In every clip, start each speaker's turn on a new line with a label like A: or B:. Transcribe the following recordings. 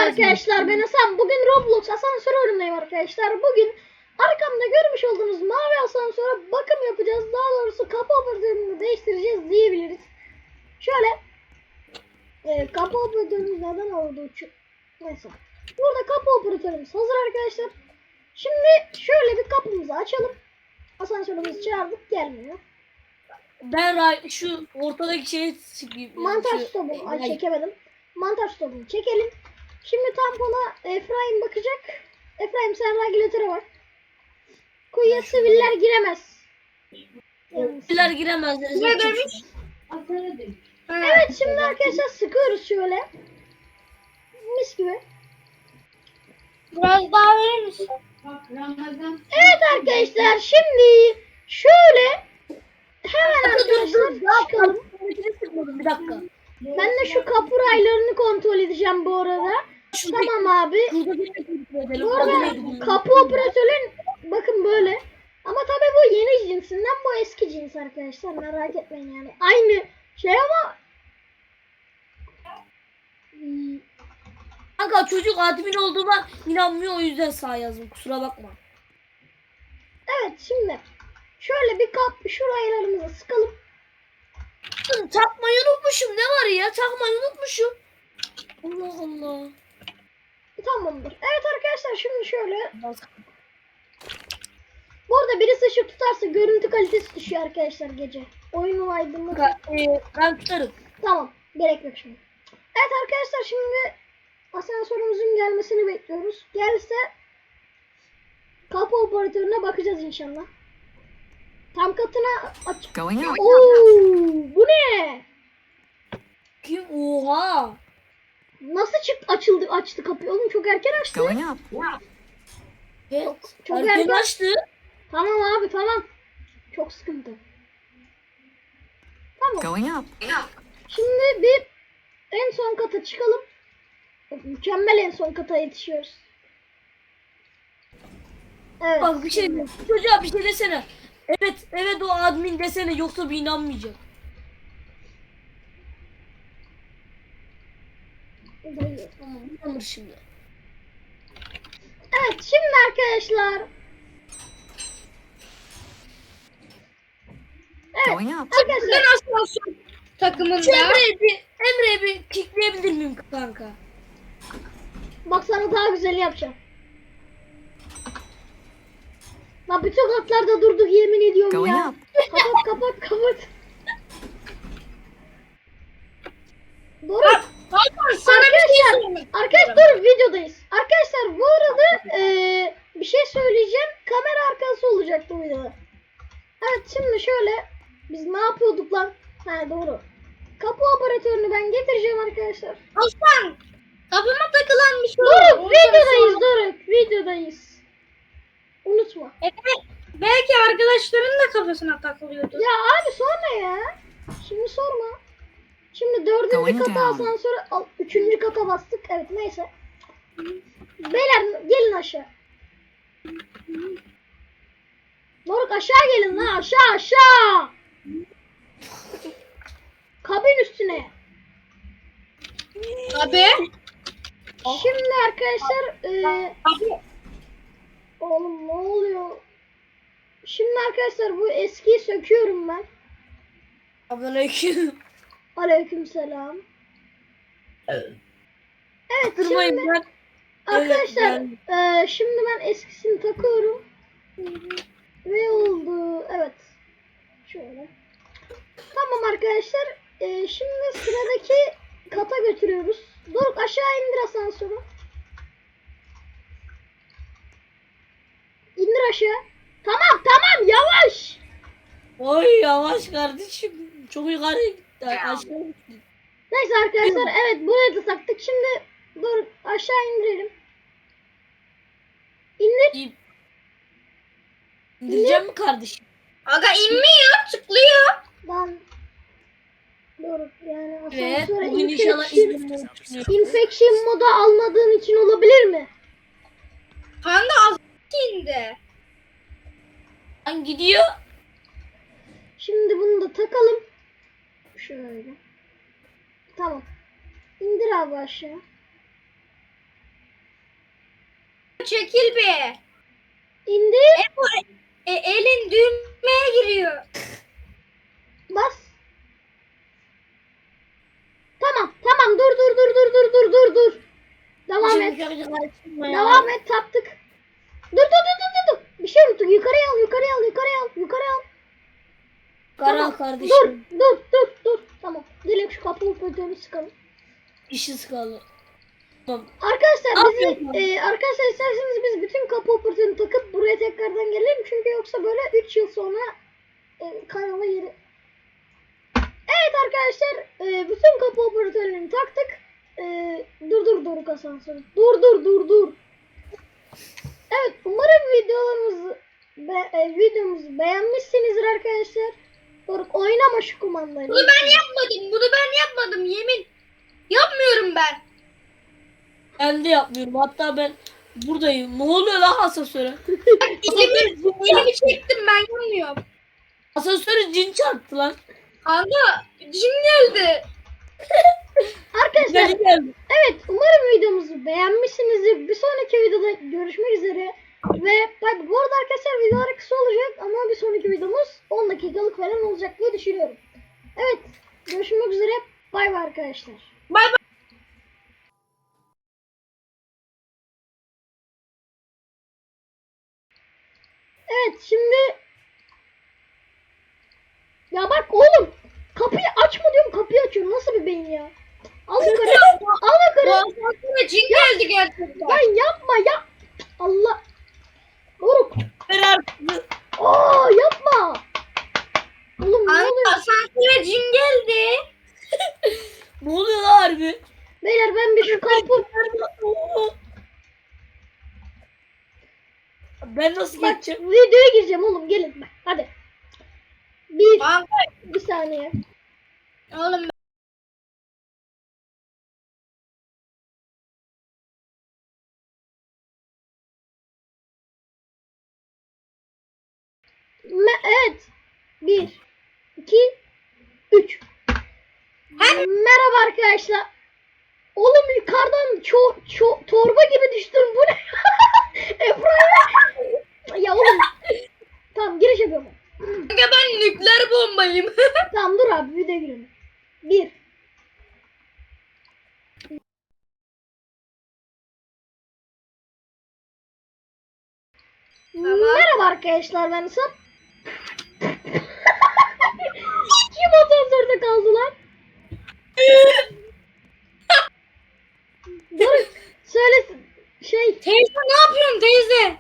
A: arkadaşlar, ben Hasan. Bugün Roblox asansör oyunundayım arkadaşlar. Bugün arkamda görmüş olduğunuz mavi asansöre bakım yapacağız. Daha doğrusu kapı operatörünü değiştireceğiz diyebiliriz. Şöyle kapı operatörümüz neden oldu? Neyse. Burada kapı operatörümüz hazır arkadaşlar. Şimdi şöyle bir kapımızı açalım. Asansörümüzü çağırdık, gelmiyor.
B: Ben şu ortadaki şeyi
A: Mantar stopu çekemedim. Mantar stopunu çekelim. Şimdi tampona Efraim bakacak. Efraim sen regülatöre bak. Kuyuya siviller giremez.
B: Siviller giremez.
C: Ne demiş?
A: Evet, şimdi arkadaşlar sıkıyoruz şöyle. Mis gibi.
C: Biraz daha verir misin?
A: Evet arkadaşlar, şimdi şöyle hemen arkadaşlar çıkalım.
B: Bir dakika.
A: Ben de şu kapı raylarını kontrol edeceğim bu arada. Tamam abi. Bu arada kapı operatörün bakın böyle. Ama tabii bu yeni cinsinden, bu eski cins arkadaşlar, merak etmeyin yani. Aynı şey ama
B: Kanka çocuk admin olduğuma inanmıyor, o yüzden sağ yazdım, kusura bakma.
A: evet, şimdi şöyle bir şu raylarımızı sıkalım.
B: Takmayı unutmuşum, ne var ya, takmayı unutmuşum. Allah Allah.
A: Tamamdır. Evet arkadaşlar, şimdi şöyle. Bu arada birisi ışık tutarsa görüntü kalitesi düşüyor arkadaşlar gece. Oyunu aydınlık.
B: Ben tutarım.
A: Tamam. Gerek yok şimdi. Evet arkadaşlar, şimdi asansörümüzün gelmesini bekliyoruz. Gelirse kapı operatörüne bakacağız inşallah. Tam katına aç. Bu ne?
B: Kim? Oha.
A: Nasıl açtı kapıyı oğlum, çok erken açtı.
B: Evet.
A: Çok
B: Erken
A: erken.
B: açtı.
A: Tamam abi, tamam. Çok sıkıntı. Tamam. Şimdi bir en son kata çıkalım. Mükemmel, en son kata yetişiyoruz. Evet.
B: Bak bir şey diyeyim. Çocuğa bir şey desene. Evet o admin desene, yoksa bir inanmayacak. Tamam, inanır şimdi.
A: Evet, şimdi arkadaşlar. Evet arkadaşlar.
C: Ben asansör takımında.
B: Şu Emre'ye bir kickleyebilir miyim kanka?
A: Bak, sana daha güzel yapacağım. Lan bütün katlarda durduk, yemin ediyorum ya. Kapat. Doğru.
C: Hakan sana bir şey söyleyeyim.
A: Arkadaşlar dur, videodayız. Arkadaşlar bu arada bir şey söyleyeceğim. Kamera arkası olacak bu videoda. Evet, şimdi şöyle biz ne yapıyorduk lan? Ha, doğru. Kapı operatörünü ben getireceğim arkadaşlar.
C: Hasan kafama takılan bir şey
A: Doruk,
C: oldu.
A: videodayız Doruk. Videodayız. Unutma.
C: Belki arkadaşların da kafasına takılıyordu.
A: Ya abi sorma ya. Şimdi sorma. Şimdi 4. kata asansöre 3. kata bastık. Evet, neyse. Beyler gelin aşağı. Doruk aşağı gelin lan, aşağı. Kabin üstüne.
C: Abi.
A: Şimdi arkadaşlar
C: Abi.
A: oğlum ne oluyor? Şimdi arkadaşlar bu eskiyi söküyorum ben.
B: Aleyküm.
A: Aleykümselam. Evet,
B: Kırmayın
A: şimdi
B: ben.
A: arkadaşlar
B: Evet,
A: şimdi ben eskisini takıyorum. Ve oldu. Evet. Şöyle. Tamam arkadaşlar. Şimdi sıradaki kata götürüyoruz. Doruk aşağı indir asansörü. İndir aşağı. Tamam yavaş.
B: Oy yavaş kardeşim. Çok yukarı gitti. Aşağı gitti.
A: Neyse arkadaşlar, evet buraya da taktık. Şimdi Doruk aşağı indirelim. İndir.
B: İndireceğim mi kardeşim?
C: Aga inmiyor, tıklıyor.
A: Ben Doruk yani
B: Evet.
A: asansöre
B: Bugün inşallah
A: infection moda almadığın için olabilir mi?
C: Kanka az indi.
B: Lan gidiyor.
A: Şimdi bunu da takalım. Şöyle. Tamam. İndir abi aşağı.
C: çekil be.
A: İndi.
C: Elin düğmeye giriyor.
A: Bas. Tamam dur. Devam et. Devam et taptık. Dur. Bir şey unuttuk. Yukarıya al.
B: Karan kardeşim.
A: Dur. Tamam. Gelin şu kapı öpüldüğünü sıkalım.
B: İşi sıkalı. Tamam.
A: Arkadaşlar
B: Aferin.
A: arkadaşlar isterseniz biz bütün kapı operatörünü takıp buraya tekrardan gelelim. Çünkü yoksa böyle 3 yıl sonra kanala yeri. Evet arkadaşlar bütün kapı operatörlerini taktık. Dur asansör. Dur. Evet umarım videomuzu beğenmişsinizdir arkadaşlar. Doruk oynama şu kumandayı.
C: Bunu ben yapmadım yemin. Yapmıyorum ben.
B: Ben de yapmıyorum. Hatta ben buradayım. Ne oluyor lan asansöre?
C: Elimi çektim ben yapmıyorum.
B: Asansöre cin çarptı lan.
C: Kanka cin geldi.
A: Arkadaşlar
B: Cin geldi.
A: evet umarım videomuzu beğenmişsinizdir. Bir sonraki videoda görüşmek üzere. Ve bak bu arada arkadaşlar videolar kısa olacak ama bir sonraki videomuz 10 dakikalık falan olacak diye düşünüyorum. Evet görüşmek üzere. Bay bay arkadaşlar.
C: Bay bay.
A: Evet şimdi ya bak oğlum kapıyı açma diyorum kapıyı açıyorum. Nasıl bir beyin ya? Al yukarı. Al yukarı.
C: Asansöre cin geldi gerçekten.
A: Lan yapma ya. Allah. Doruk.
B: Beraber.
A: Yapma. Oğlum ne
C: Kanka
A: oluyor?
C: asansöre cin geldi.
B: Ne oluyor lan harbi?
A: Beyler ben bir şu kapı.
B: Ben nasıl
A: Bak
B: geçeceğim?
A: videoya gireceğim oğlum gelin bak hadi.
C: Kanka
A: Bir saniye.
C: oğlum
A: Evet. 1 2 3 Merhaba arkadaşlar. Oğlum yukarıdan torba gibi düştüm. Bu ne? Efra'ya. Ya oğlum. Tamam giriş yapıyorum.
C: kanka ben nükleer bombayım.
A: Tamam dur abi videoya girelim. 1
C: Tamam.
A: Merhaba arkadaşlar ben Sam. Kim asansörde kaldı lan? Dur söylesin.
C: Teyze ne yapıyorsun teyze?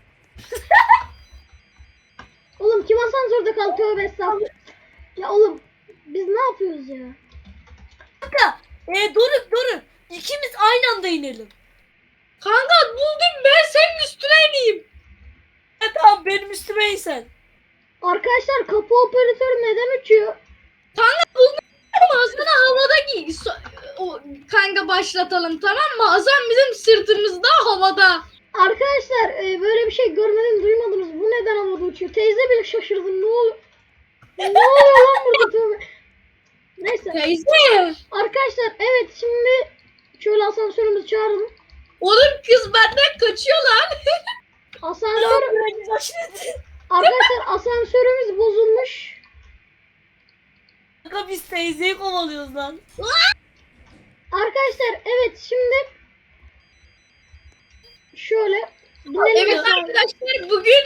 A: Oğlum kim asansörde kaldı tövbe estağfurullah. Ya oğlum biz ne yapıyoruz ya?
B: Kanka. Doruk. İkimiz aynı anda inelim.
C: Kanka buldum ben senin üstüne ineyim.
B: Tamam benim üstüme in sen.
A: Arkadaşlar kapı operatörü neden uçuyor?
C: Kanka buldum ama sana havada kanka başlatalım tamam mı? Hasan bizim sırtımızda havada.
A: Arkadaşlar böyle bir şey görmedim duymadınız. Bu neden havada uçuyor? Teyze bile şaşırdı. Ne oluyor? Ne oluyor lan burada tövbe? Neyse.
C: Teyze.
A: Arkadaşlar evet şimdi şöyle asansörümüzü çağıralım.
C: Oğlum kız benden kaçıyor lan.
A: Asansör arkadaşlar asansörümüz bozulmuş.
B: Kanka biz teyzeyi kovalıyoruz lan.
A: Arkadaşlar evet şimdi şöyle binelim.
C: Evet arkadaşlar bugün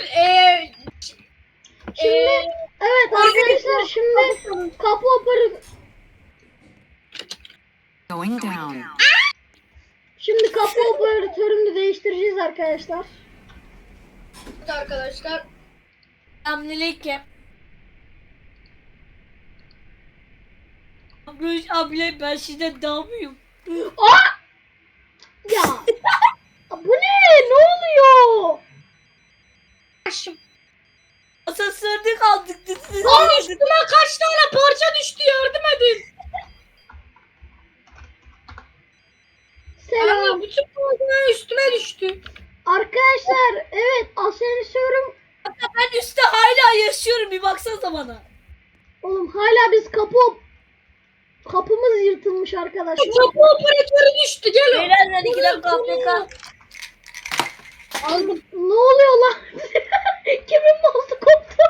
A: Şimdi evet arkadaşlar şimdi kapı operatörü
D: Going down.
A: şimdi kapı operatörünü değiştireceğiz arkadaşlar.
C: arkadaşlar
B: Selamünaleyküm. Abla ben sizden daha mıyım?
A: Ya bu ne? Ne oluyor?
B: Asansörde kaldık.
C: Lan üstüme kaç tane parça düştü yardım edin.
A: Selam.
C: Kanka bütün parçalar üstüme düştü.
A: Arkadaşlar evet asansörüm
B: Ben üstte hala yaşıyorum bir baksanıza bana.
A: oğlum hala biz kapımız yırtılmış arkadaşlar.
C: Kapı operatörü düştü gel.
B: Beyler ben 2 dakika AFK.
C: Aldım.
A: Ne oluyor lan? Kimin mouse'u koptu?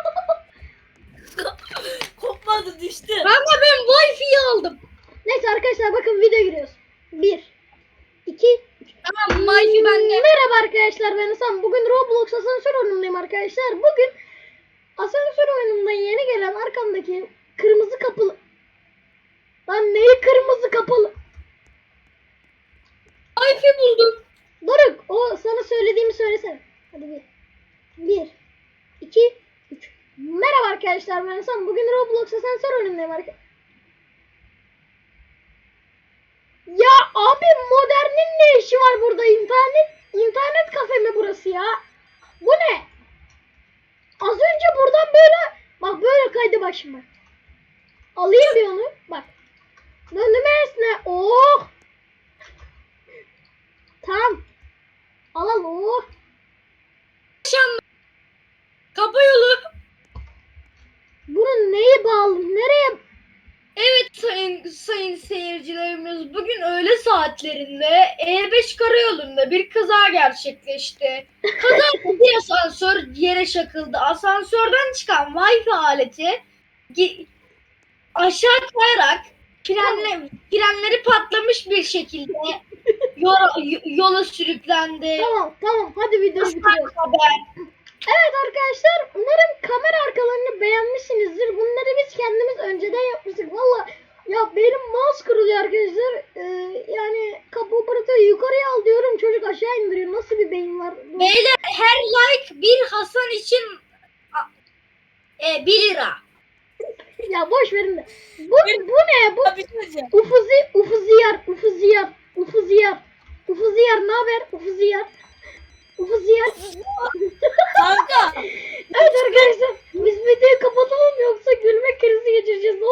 B: Kopmadı, düştü.
C: Kanka ben Wi-Fi'yi aldım.
A: Neyse arkadaşlar bakın video giriyoruz. 1 2
C: Tamam Wi-Fi bende.
A: Merhaba arkadaşlar, ben Hasan. Bugün Roblox asansör oyunundayım arkadaşlar. Bugün asansör oyununda yeni gelen arkamdaki kırmızı kapılı... Lan neyi kırmızı kapılı?
C: Wi-Fi buldum.
A: Doruk, o sana söylediğimi söylesene. Hadi bir 2 3 Merhaba arkadaşlar, ben Hasan. Bugün Roblox asansör oyunundayım arkadaşlar. Ya abi, modernin ne işi var burada? İnternet kafe mi burası ya? Bu ne? Az önce buradan böyle bak, böyle kaydı bak şimdi. Alayım bir onu. Bak. Döndüm esne. Oh. Tamam. Al oh.
C: Kapı yolu.
A: Bunun neyi bağlı? Nereye?
C: Evet sayın seyircilerimiz, bugün öğle saatlerinde E5 karayolunda bir kaza gerçekleşti. Kazada bir asansör yere çakıldı. Asansörden çıkan Wi-Fi aleti aşağı kayarak frenleri patlamış bir şekilde yola sürüklendi.
A: Tamam. Hadi videoyu bitiriyoruz.
C: Haber.
A: Evet arkadaşlar, umarım kamera arkalarını beğenmişsinizdir. Bunları biz kendimiz önceden yapmıştık. Valla ya, benim mouse kırılıyor arkadaşlar. Yani kapı operatörü yukarıya al diyorum, çocuk aşağı indiriyor. Nasıl bir beyin var?
C: Beyler, her like bir Hasan için 1 lira.
A: Ya boş verin de. Bu ne? Bu
B: Bir şey diyeceğim.
A: Ufuziyar ne haber? Ufuziyar.
B: Kanka.
A: Evet arkadaşlar, biz videoyu kapatalım yoksa gülme krizi geçireceğiz.